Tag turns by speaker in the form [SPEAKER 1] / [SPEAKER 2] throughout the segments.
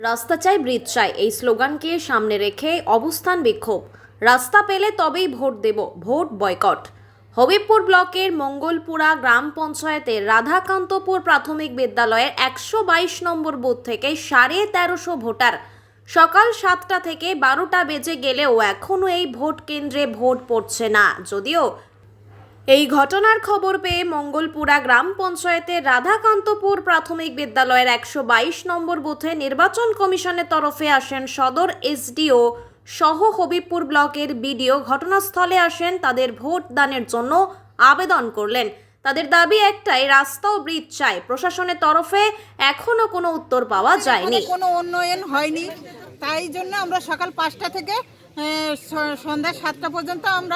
[SPEAKER 1] রাস্তা চাই ব্রিজ চাই এই স্লোগানকে সামনে রেখে অবস্থান বিক্ষোভ। রাস্তা পেলে তবেই ভোট দেব, ভোট বয়কট। হবিবপুর ব্লকের মঙ্গলপুরা গ্রাম পঞ্চায়েতের রাধাকান্তপুর প্রাথমিক বিদ্যালয়ের 122 নম্বর বুথ থেকে 1350 ভোটার সকাল 7টা থেকে 12টা বেজে গেলেও এখনও এই ভোট কেন্দ্রে ভোট পড়ছে না। যদিও এই ঘটনার খবর পেয়ে মঙ্গলপুরা গ্রাম পঞ্চায়েতের রাধাকান্তপুর প্রাথমিক বিদ্যালয়ের 122 নম্বর বুথে নির্বাচন কমিশনের তরফে আসেন সদর এসডিও সহ হবিবপুর ব্লকের বিডিও। ঘটনাস্থলে আসেন, তাদের ভোট দানের জন্য আবেদন করলেন। তাদের দাবি একটাই, রাস্তা ও ব্রিজ চাই। প্রশাসনের তরফে এখনো কোনো উত্তর পাওয়া যায়নি।
[SPEAKER 2] কোনো উন্নয়ন হয়নি, তাই জন্য আমরা সকাল 5টা থেকে সন্ধ্যা 7টা পর্যন্ত আমরা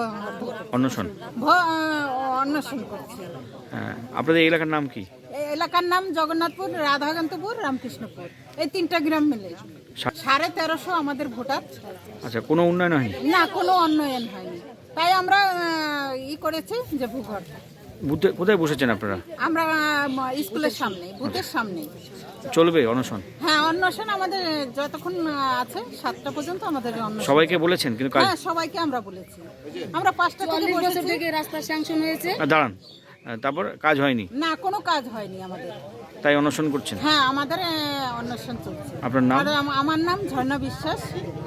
[SPEAKER 2] অন্বেষণ করছি।
[SPEAKER 3] আপনাদের এলাকার নাম কি?
[SPEAKER 2] এই এলাকার নাম জগন্নাথপুর, রাধাকান্তপুর, রামকৃষ্ণপুর, এই 3টা গ্রাম মিলে 1350 আমাদের ভোটার।
[SPEAKER 3] আচ্ছা, কোনো উন্নয়ন হয়নি?
[SPEAKER 2] না, কোনো উন্নয়ন হয়নি, তাই আমরা করেছি যে ভূঘর।
[SPEAKER 3] বুথে কোথায় বসেছেন আপনারা?
[SPEAKER 2] আমরা স্কুলের সামনে, বুথের সামনে।
[SPEAKER 3] চলবে অনশন?
[SPEAKER 2] হ্যাঁ, অন্বেষণ আমাদের যতক্ষণ আছে 7টা পর্যন্ত আমাদের অন্বেষণ।
[SPEAKER 3] সবাইকে বলেছেন? কিন্তু
[SPEAKER 2] হ্যাঁ, সবাইকে আমরা বলেছি। আমরা 5টা থেকে
[SPEAKER 4] রাস্তা স্যাংশন হয়েছে।
[SPEAKER 3] দাঁড়ান, তারপর কাজ হয়নি?
[SPEAKER 2] না, কোনো কাজ হয়নি আমাদের,
[SPEAKER 3] তাই অনশন করছেন?
[SPEAKER 2] হ্যাঁ, আমাদের অন্বেষণ চলছে।
[SPEAKER 3] আপনার নাম?
[SPEAKER 2] আমার নাম ঝর্ণা বিশ্বাস।